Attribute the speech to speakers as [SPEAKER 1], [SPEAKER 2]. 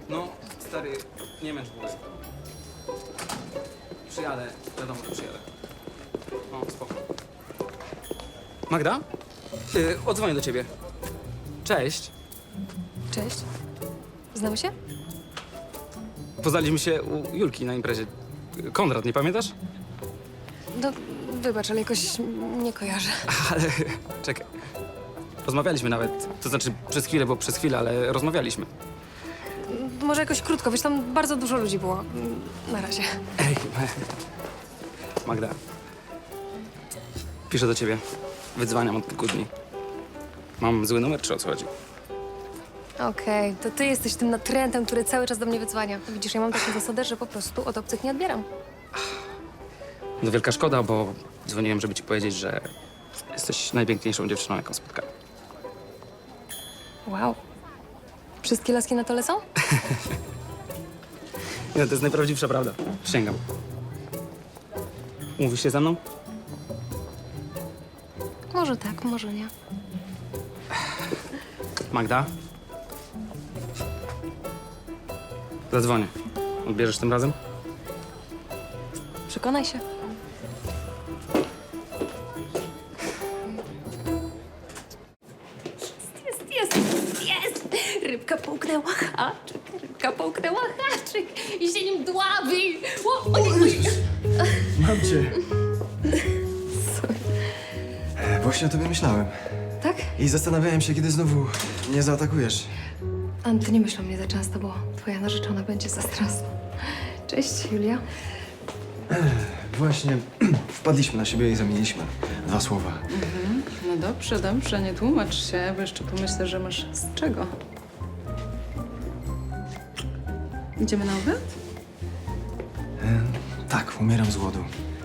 [SPEAKER 1] No, stary, nie męcz głowy. Przyjadę, wiadomo, że przyjadę. No, spoko. Magda? Odzwonię do ciebie. Cześć.
[SPEAKER 2] Cześć. Znamy się?
[SPEAKER 1] Poznaliśmy się u Julki na imprezie. Konrad, nie pamiętasz?
[SPEAKER 2] No, wybacz, ale jakoś nie kojarzę.
[SPEAKER 1] Ale czekaj. Rozmawialiśmy nawet. To znaczy przez chwilę, bo przez chwilę, ale rozmawialiśmy.
[SPEAKER 2] Może jakoś krótko, wiesz, tam bardzo dużo ludzi było. Na razie.
[SPEAKER 1] Ej, Magda. Piszę do ciebie. Wydzwaniam od kilku dni. Mam zły numer, czy o co chodzi?
[SPEAKER 2] Okej, to ty jesteś tym natrętem, który cały czas do mnie wydzwania. Widzisz, ja mam taką zasadę, że po prostu od obcych nie odbieram.
[SPEAKER 1] No wielka szkoda, bo dzwoniłem, żeby ci powiedzieć, że jesteś najpiękniejszą dziewczyną, jaką spotkałem.
[SPEAKER 2] Wow. Wszystkie laski na to lecą?
[SPEAKER 1] Nie, to jest najprawdziwsza prawda. Przysięgam. Umówisz się ze mną?
[SPEAKER 2] Może tak, może nie.
[SPEAKER 1] Magda? Zadzwonię. Odbierzesz tym razem?
[SPEAKER 2] Przekonaj się. Jest! Rybka połknęła haczyk, rybka połknęła haczyk i się nim dławi. Oj.
[SPEAKER 3] Mam cię. Właśnie o tobie myślałem.
[SPEAKER 2] Tak?
[SPEAKER 3] I zastanawiałem się, kiedy znowu nie zaatakujesz.
[SPEAKER 2] Ty nie myśl o mnie za często, bo twoja narzeczona będzie zazdrosna. Cześć, Julia.
[SPEAKER 3] Właśnie wpadliśmy na siebie i zamieniliśmy 2 słowa.
[SPEAKER 4] No dobrze, dobrze, nie tłumacz się, bo jeszcze pomyślę, że masz z czego. Idziemy na obiad?
[SPEAKER 3] Tak, umieram z głodu.